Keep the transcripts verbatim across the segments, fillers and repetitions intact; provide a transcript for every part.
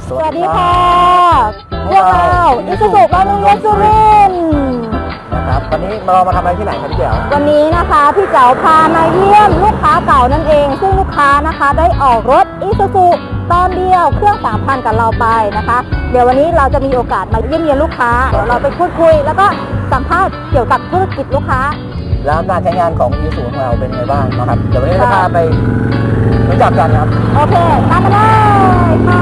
สวัสดีค่ะพวกเราอิสุสุบำรุงรถสุรินทร์นะครับวันนี้เรามาทำอะไรที่ไหนครับพี่เจ๋ววันนี้นะคะพี่เจ๋วพามาเยี่ยมลูกค้าเก่านั่นเองซึ่งลูกค้านะคะได้ออกรถอิสุสุตอนเดียวเครื่อง สามพัน กับเราไปนะคะเดี๋ยววันนี้เราจะมีโอกาสมาเยี่ยมเยียนลูกค้าเดี๋ยวเราไปพูดคุยแล้วก็สัมภาษณ์เกี่ยวกับธุรกิจลูกค้าแล้วการใช้งานของอิสุสุของเราเป็นไงบ้างนะครับเดี๋ยววันนี้จะพาไปรู้จักกันครับโอเคตามมาเลยค่ะ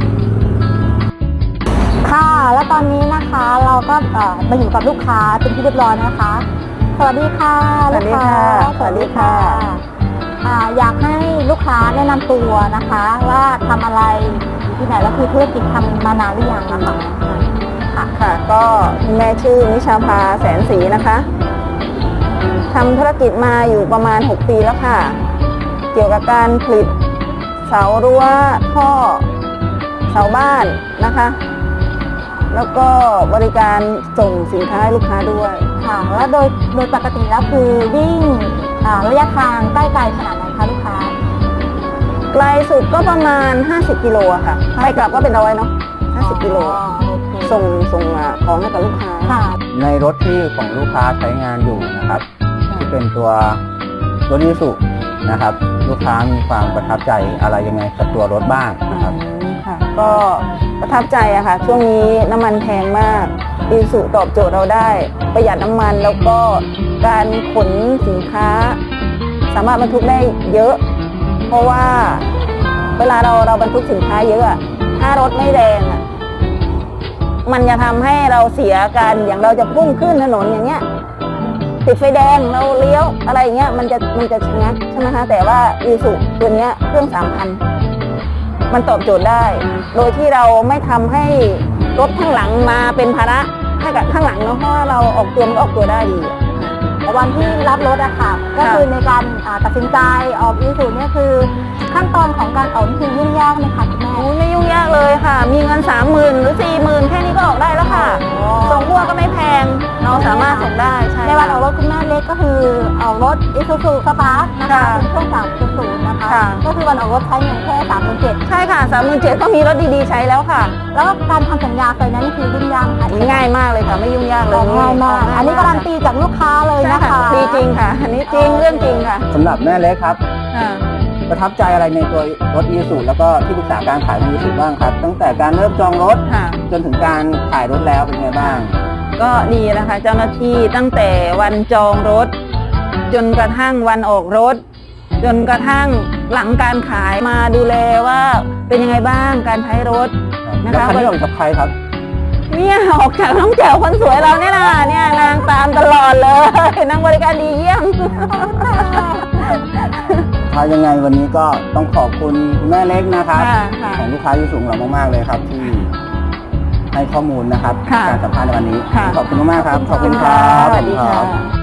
ค่ะและตอนนี้นะคะเราก็มาอยู่กับลูกค้าเป็นที่เรียบร้อยนะคะสวัสดีค่ะลูกค้าสวัสดีค่ะอยากให้ลูกค้าแนะนำตัวนะคะว่าทำอะไรอยู่ที่ไหนแล้วคือธุรกิจทำมานานหรือยังนะคะค่ะค่ะก็แม่ชื่อนิชาภาแสนศรีนะคะทำธุรกิจมาอยู่ประมาณหกปีแล้วค่ะเกี่ยวกับการผลิตเสารั้วท่อเสาบ้านนะคะแล้วก็บริการส่งสินค้าให้ลูกค้าด้วยค่ะแล้วโดยโดยปกติแล้วคือวิ่งระยะทางใกล้ๆขนาดไหนคะลูกค้าไกลสุดก็ประมาณห้าสิบกิโลค่ะไปกลับก็เป็นร้อยเนาะห้าสิบกิโลส่งส่งของให้กับลูกค้าในรถที่ของลูกค้าใช้งานอยู่นะครับที่เป็นตัวรถอิสุนะครับลูกค้ามีความประทับใจอะไรยังไงกับตัวรถบ้างนะครับค่ะก็ประทับใจอะค่ะช่วงนี้น้ำมันแพงมากอิสุตอบโจทย์เราได้ประหยัดน้ำมันแล้วก็การขนสินค้าสามารถบรรทุกได้เยอะเพราะว่าเวลาเราเราบรรทุกสินค้าเยอะถ้ารถไม่แรงอะมันจะทำให้เราเสียการอย่างเราจะพุ่งขึ้นถนนอย่างเงี้ยติดไฟแดงเราเลี้ยวอะไรเงี้ยมันจะมันจะชะงักใช่ไหมคะแต่ว่าอิสุตัวเนี้ยเครื่อง สามพัน มันตอบโจทย์ได้โดยที่เราไม่ทำให้รถข้างหลังมาเป็นภาระให้กับข้างหลังเนาะเพราะว่าเราออกตัวมันออกตัวได้ดีวันที่รับรถอะค่ะก็คือในการตัดสินใจออกอิสุเนี่ยคือขั้นตอนของการออกนี่คือยุ่งยากไหมคะคุณแม่ไม่ยุ่งยากเลยค่ะมีเงินสามหมื่นหรือสี่หมื่นแค่นี้ก็ออกได้แล้วค่ะส่งพวกก็ไม่แพงเราสามารถส่งได้ใช่ในวันออกรถคุณแม่เล็กก็คือออกรถอิสุสุสปาร์คนะคะเป็นเครื่อง สามจุดศูนย์ นะคะก็คือวันออกรถใช้เงินแค่สามหมื่นเจ็ดใช่ค่ะสามหมื่นเจ็ดก็มีรถดีๆใช้แล้วค่ะแล้วการทำสัญญาไฟแนนซ์นี่คือยุ่งยากค่ะง่ายมากเลยค่ะไม่ยุ่งยากเลยง่ายมากอันนี้การันตีจากลูกค้าเลยนะคะดีจริงค่ะอันนี้จริงเรื่องจริงค่ะสำหรับแม่เล็กครับประทับใจอะไรในตัวรถอิสุแล้วก็ที่ปรึกษาการขายของอิสุบ้างครับตั้งแต่การเริ่มจองรถจนถึงการขายรถแล้วเป็นไงบ้างก็ดีนะคะเจ้าหน้าที่ตั้งแต่วันจองรถจนกระทั่งวันออกรถจนกระทั่งหลังการขายมาดูแลว่าเป็นยังไงบ้างการใช้รถนะคะคันนี้ออกกับใครครับเนี่ยออกจากน้องแจ๋วคนสวยเราเนี่ยนะเนี่ยนางตามตลอดเลยนางบริการดีเยี่ยมถ้ายังไงวันนี้ก็ต้องขอบคุณคุณแม่เล็กนะครับของลูกค้าที่สูงเรามากๆเลยครับที่ให้ข้อมูลนะครับการสัมภาษณ์ในวันนี้ขอบคุณมากๆครับขอบคุณครับสวัสดีค่ะ